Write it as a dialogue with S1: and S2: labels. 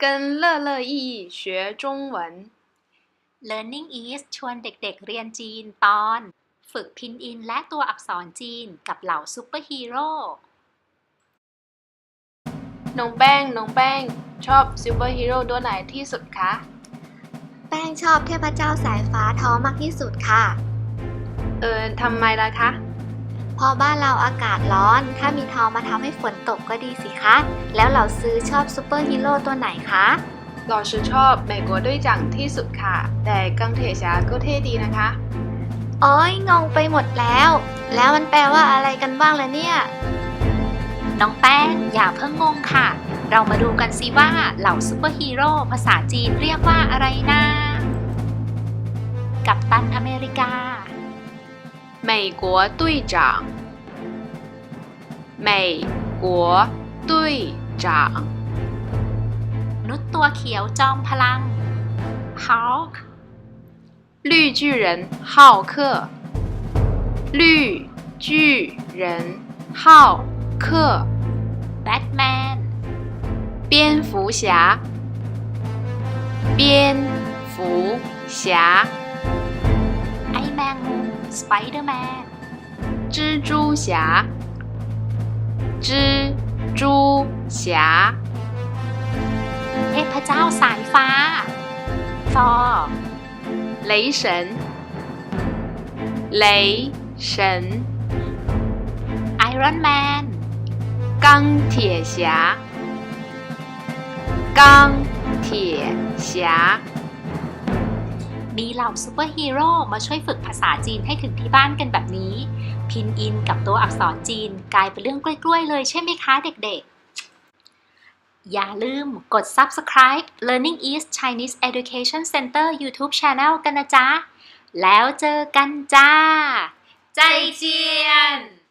S1: 跟乐乐意义学中文
S2: Learning East ชวนเด็กๆเรียนจีนตอน ฝึกพินอินและตัวอักษรจีนกับเหล่าซูเปอร์ฮีโร่
S1: น้องแป้งชอบซูเปอร์ฮีโร่ตัวไหนที่สุดคะ
S3: แป้งชอบเทพเจ้าสายฟ้าทอมากที่สุดค่ะ
S1: ทำไมล่ะคะ
S3: เพราะบ้านเราอากาศร้อนถ้ามีทอมาทำให้ฝนตกก็ดีสิคะแล้วเหล่าซื้อชอบซูเปอร์ฮีโร่ตัวไหนคะ
S1: เราชอบ美国队长ที่สุดค่ะแต่กังเท侠ก็เท่ดีนะคะ
S3: โอ้ยงงไปหมดแล้วมันแปลว่าอะไรกันบ้างล่ะเนี่ย
S2: น้องแป้งอย่าเพิ่งงงค่ะเรามาดูกันสิว่าเหล่าซูเปอร์ฮีโร่ภาษาจีนเรียกว่าอะไรนะกัปตันอเมริกา
S1: 美国队长美国队长
S2: นุษย์ตัวเขียวจอมพลัง Hulk
S1: 绿巨人浩克绿巨人浩克
S2: Batman
S1: 蝙蝠侠蝙蝠侠
S2: ไอแมงมุม Spider-Man
S1: 蜘蛛侠蜘蛛侠
S2: เทพเจ้าสายฟ้า Thor
S1: 雷神雷神
S2: Iron Man
S1: 钢铁侠钢铁侠
S2: มีเหล่าซูเปอร์ฮีโร่มาช่วยฝึกภาษาจีนให้ถึงที่บ้านกันแบบนี้พินอินกับตัวอักษรจีนกลายเป็นเรื่องกล้วยๆเลยใช่ไหมคะเด็กๆอย่าลืมกด Subscribe Learning East Chinese Education Center YouTube Channel กันนะจ๊ะแล้วเจอกันจ้าใจเจียน